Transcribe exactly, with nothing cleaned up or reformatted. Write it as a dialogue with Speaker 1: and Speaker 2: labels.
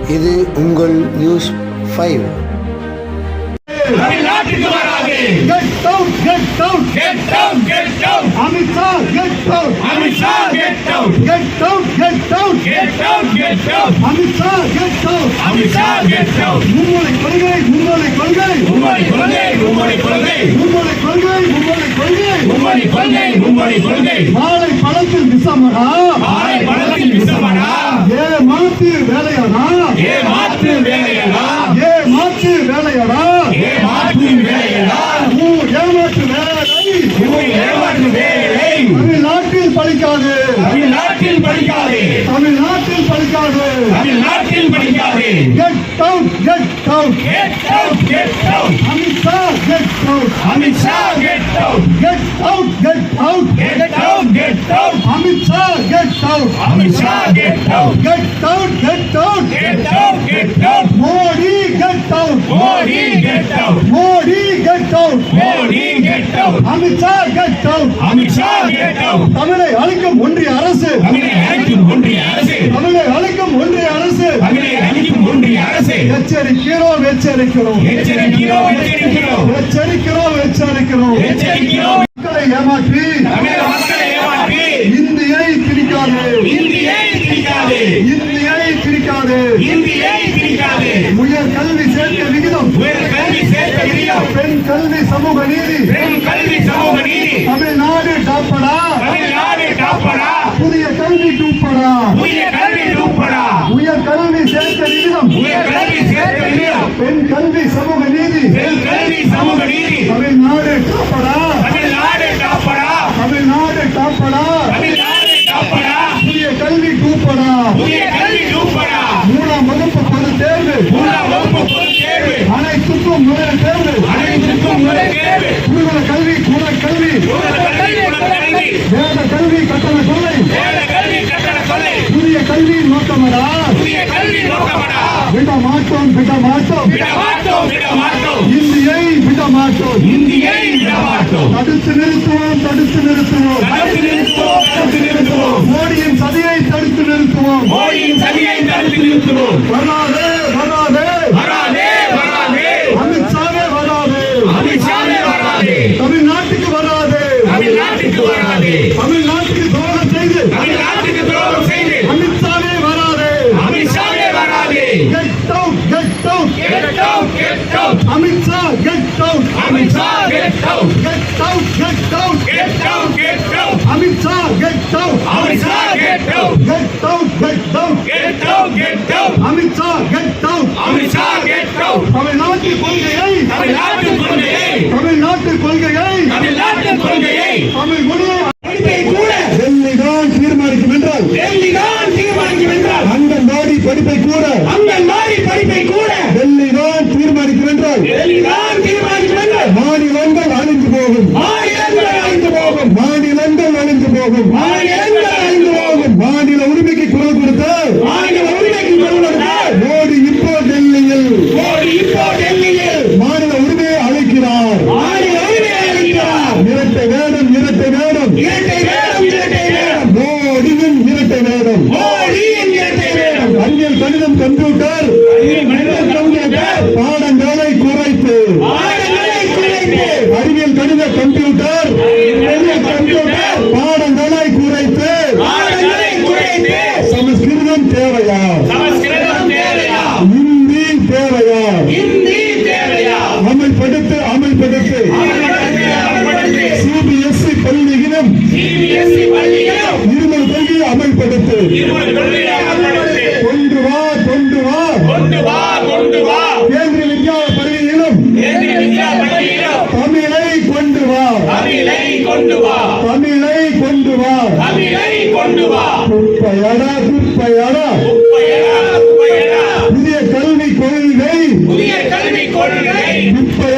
Speaker 1: இது உங்கள் news five.
Speaker 2: தமிழ்நாட்டுக்கு வராது.
Speaker 3: Get out, get out,
Speaker 2: Get out, get out.
Speaker 3: Amit Shah, get out,
Speaker 2: Amit Shah, get out.
Speaker 3: get out, get out,
Speaker 2: Get out, get out.
Speaker 3: Amit Shah, get out.
Speaker 2: Amit Shah, get out.
Speaker 3: மும்மொழி கொள்கை, மும்மொழி கொள்கை,
Speaker 2: மும்மொழி கொள்கை, மும்மொழி கொள்கை,
Speaker 3: மும்மொழி கொள்கை, மும்மொழி கொள்கை.
Speaker 2: மும்மொழி கொள்கை, மும்மொழி கொள்கை.
Speaker 3: வாழை பழத்தில் விஷமடா,
Speaker 2: வாழை பழத்தில் விஷமடா.
Speaker 3: ஏ மாத்து வேலையடா,
Speaker 2: ஏ மாற்று வேலையடா.
Speaker 3: ஏ மாத்து வேலையடா,
Speaker 2: ஏ மாற்று வேலையடா.
Speaker 3: ஊ ஏமாற்று வேலை.
Speaker 2: இவை ஏமாற்று வேலை.
Speaker 3: தமிழ்நாட்டில் பலிக்காது,
Speaker 2: தமிழ்நாட்டில் படிக்காதே.
Speaker 3: தமிழ்நாட்டில் பலிக்காது.
Speaker 2: தமிழ்நாட்டில் படிக்காதே.
Speaker 3: Get out, get out,
Speaker 2: Get out, get out.
Speaker 3: Amit Shah, get out,
Speaker 2: Amit Shah, get out.
Speaker 3: get out, get out,
Speaker 2: Get out, get out.
Speaker 3: Amit Shah, get out,
Speaker 2: Amit Shah, get out.
Speaker 3: get out, get out,
Speaker 2: Get out, get out.
Speaker 3: Modi, get out,
Speaker 2: Modi, get out.
Speaker 3: Modi, get out,
Speaker 2: Modi, get out.
Speaker 3: Amit Shah, get out.
Speaker 2: Amit Shah, get out.
Speaker 3: தமிழை அழிக்கும் ஒன்றிய அரசு,
Speaker 2: தமிழை அழிக்கும் ஒன்றிய அரசு.
Speaker 3: தமிழை அழிக்கும் ஒன்றிய அரசு.
Speaker 2: தமிழை அழிக்கும் ஒன்றிய அரசு.
Speaker 3: எச்சரிக்கிறோம், எச்சரிக்கிறோம்,
Speaker 2: எச்சரிக்கிறோம், எச்சரிக்கிறோம்.
Speaker 3: எச்சரிக்கிறோம், எச்சரிக்கிறோம்.
Speaker 2: எச்சரிக்கிறோம்.
Speaker 3: மக்களை ஏமாற்றி
Speaker 2: தமிழக மக்களை ஏமாற்றி
Speaker 3: இந்தியை திணிக்காது,
Speaker 2: இந்தியை திணிக்காதே.
Speaker 3: இந்தியை திணிக்காது.
Speaker 2: இந்தியை திணிக்காதே.
Speaker 3: உயர் கல்வி சேர்க்கை விகிதம்,
Speaker 2: உயர் கல்வி சேர்க்க விதியம்.
Speaker 3: பெண் கல்வி சமூக நீதி,
Speaker 2: பெண் கல்வி சமூக நீதி.
Speaker 3: தமிழ்நாடு டாப்படா,
Speaker 2: தமிழ்நாடு காப்படா.
Speaker 3: புதிய கல்வி டூப்படா,
Speaker 2: புதிய கல்வி ரூபடா.
Speaker 3: உயர் கல்வி சேர்க்கை விகிதம்,
Speaker 2: உயர் கல்வி சேர்க்க விதியம்.
Speaker 3: பெண் கல்வி சமூக நீதி,
Speaker 2: பெண் கல்வி சமூக நீதி.
Speaker 3: தமிழ்நாடு டாப்படா,
Speaker 2: தமிழ்நாடு காப்படா.
Speaker 3: தமிழ்நாடு டாப்படா,
Speaker 2: தமிழ்நாடு காப்படா.
Speaker 3: புதிய கல்வி டூப்படா.
Speaker 2: புதிய கல்வி ரூபடா.
Speaker 3: மூணாம் வகுப்பு பொது தேர்வு,
Speaker 2: மூன்றாம் வகுப்பு பொதுத் தேர்வு.
Speaker 3: அனைத்துக்கும் முதல் தேர்வு,
Speaker 2: அனைத்துக்கும் முதல் தேர்வு.
Speaker 3: குருகுல கல்வி, குல கல்வி,
Speaker 2: உலக கல்வி, உலக கல்வி.
Speaker 3: வேத கல்வி கட்டண கொள்ளை,
Speaker 2: வேத கல்வி கட்டண கொள்ளை.
Speaker 3: புதிய கல்வி நோக்கமடா,
Speaker 2: புதிய கல்வி நோக்கமடா.
Speaker 3: விட மாட்டோம், விட மாட்டோம்,
Speaker 2: விட மாட்டோம், விட மாட்டோம்.
Speaker 3: இந்தியை விட மாட்டோம்.
Speaker 2: இந்தியை விட மாட்டோம்.
Speaker 3: தடுத்து நிறுத்துவோம், தடுத்து நிறுத்துவோம்,
Speaker 2: தடுத்து நிறுத்துவோம், தடுத்து நிறுத்துவோம்.
Speaker 3: மோடியின் சதியை தடுத்து நிறுத்துவோம்.
Speaker 2: மோடியின் சதியை தடுத்து நிறுத்துவோம்.
Speaker 3: வராதே, வராதே,
Speaker 2: வராதே, வராதே.
Speaker 3: அமித்ஷாவே வராதே,
Speaker 2: அமித்ஷாவே வராதே.
Speaker 3: தமிழ்நாட்டுக்கு வராதே,
Speaker 2: தமிழ்நாட்டுக்கு வராதே.
Speaker 3: தமிழ்நாட்டுக்கு துரோகம் செய்து
Speaker 2: தமிழ்நாட்டுக்கு துரோகம் செய்து
Speaker 3: அமித்ஷாவே வராதே.
Speaker 2: அமித்ஷாவே வராதே.
Speaker 3: Get out, get out,
Speaker 2: Get out, get out.
Speaker 3: Amit Shah, get out,
Speaker 2: Amit Shah, get out.
Speaker 3: get out, get out,
Speaker 2: Get out, get out.
Speaker 3: Amit Shah, get out,
Speaker 2: Amit Shah, get out.
Speaker 3: get out, get out,
Speaker 2: Get out, get out.
Speaker 3: Amit Shah, get out.
Speaker 2: Amit Shah, get out.
Speaker 3: தமிழ்நாட்டு கொள்கையை,
Speaker 2: தமிழ்நாட்டு கொள்கையை,
Speaker 3: தமிழ்நாட்டு கொள்கையை,
Speaker 2: தமிழ்நாட்டு கொள்கையை,
Speaker 3: தமிழ் மொழியை
Speaker 2: படிப்பை கூட
Speaker 3: டெல்லிதான் தீர்மானிக்கும் என்றால்,
Speaker 2: டெல்லிதான் தீர்மானிக்கும் என்றால்,
Speaker 3: அங்கன்வாடி படிப்பை கூட
Speaker 2: அங்கன்வாடி படிப்பை கூட
Speaker 3: டெல்லிதான் தீர்மானிக்கும் என்றால்,
Speaker 2: டெல்லிதான் தீர்மானிக்கும் என்றால்,
Speaker 3: மாநிலங்கள் அழிந்து போகும்,
Speaker 2: மாநிலங்கள் அழிந்து போகும்.
Speaker 3: மாநிலங்கள் அழிந்து போகும்,
Speaker 2: மாநிலங்கள் அழிந்து போகும்.
Speaker 3: மாநில உரிமைக்கு குரல் கொடுத்த
Speaker 2: மாநில உரிமைக்கு கொள்வதால்
Speaker 3: மோடி இப்போ டெல்லியில்
Speaker 2: மோடி இப்போ டெல்லியில்
Speaker 3: மாநில உரிமையை அழைக்கிறார்.
Speaker 2: மாநில உரிமையை அளிக்கிறார்.
Speaker 3: இரட்டை வேடம், இரட்டை வேடம்,
Speaker 2: இரட்டை வேடம், இரட்டை வேடம்.
Speaker 3: மோடியின் இரட்டை வேடம்.
Speaker 2: மோடியின் இரட்டை வேடம்.
Speaker 3: அறிவியல், கணிதம், கம்ப்யூட்டர்
Speaker 2: மனிதன் கம்ப்யூட்டர்
Speaker 3: பாடங்களை குறைத்து,
Speaker 2: பாடங்களை குறைத்து,
Speaker 3: அறிவியல், கணித, கம்ப்யூட்டர்
Speaker 2: மனிதன் கம்ப்யூட்டர்
Speaker 3: பாடங்களை குறைத்து,
Speaker 2: பாடங்களை குறைத்து,
Speaker 3: சமஸ்கிருதம் தேவையா,
Speaker 2: சமஸ்கிருதம் தேவையா,
Speaker 3: இந்தி தேவையா,
Speaker 2: இந்தி தேவையா,
Speaker 3: அமல்படுத்து, அமல்படுத்து,
Speaker 2: அமல்படுத்து, அமல்படுத்து.
Speaker 3: சிபிஎஸ்இ பள்ளியிலும்
Speaker 2: சிபிஎஸ்இ பள்ளியிலும்
Speaker 3: இருமல் கொள்கையை அமல்படுத்து,
Speaker 2: இருமல் கொள்கையை அமல்படுத்து.
Speaker 3: கொண்டு வா, கொண்டு வா,
Speaker 2: கொண்டு வா, கொண்டு வா.
Speaker 3: கேந்திரிய வித்யா பள்ளியிலும்
Speaker 2: கேந்திரிய வித்யா பள்ளியிலும்
Speaker 3: தமிழை கொண்டு வா,
Speaker 2: தமிழை கொண்டு வா,
Speaker 3: தமிழை கொண்டு வா.
Speaker 2: தமிழை கொண்டு வா.
Speaker 3: குப்பையடா, குப்பையடா,
Speaker 2: குப்பையடா, குப்பையடா.
Speaker 3: புதிய கல்வி கொள்கை
Speaker 2: புதிய கல்விக் கொள்கை
Speaker 3: குப்பை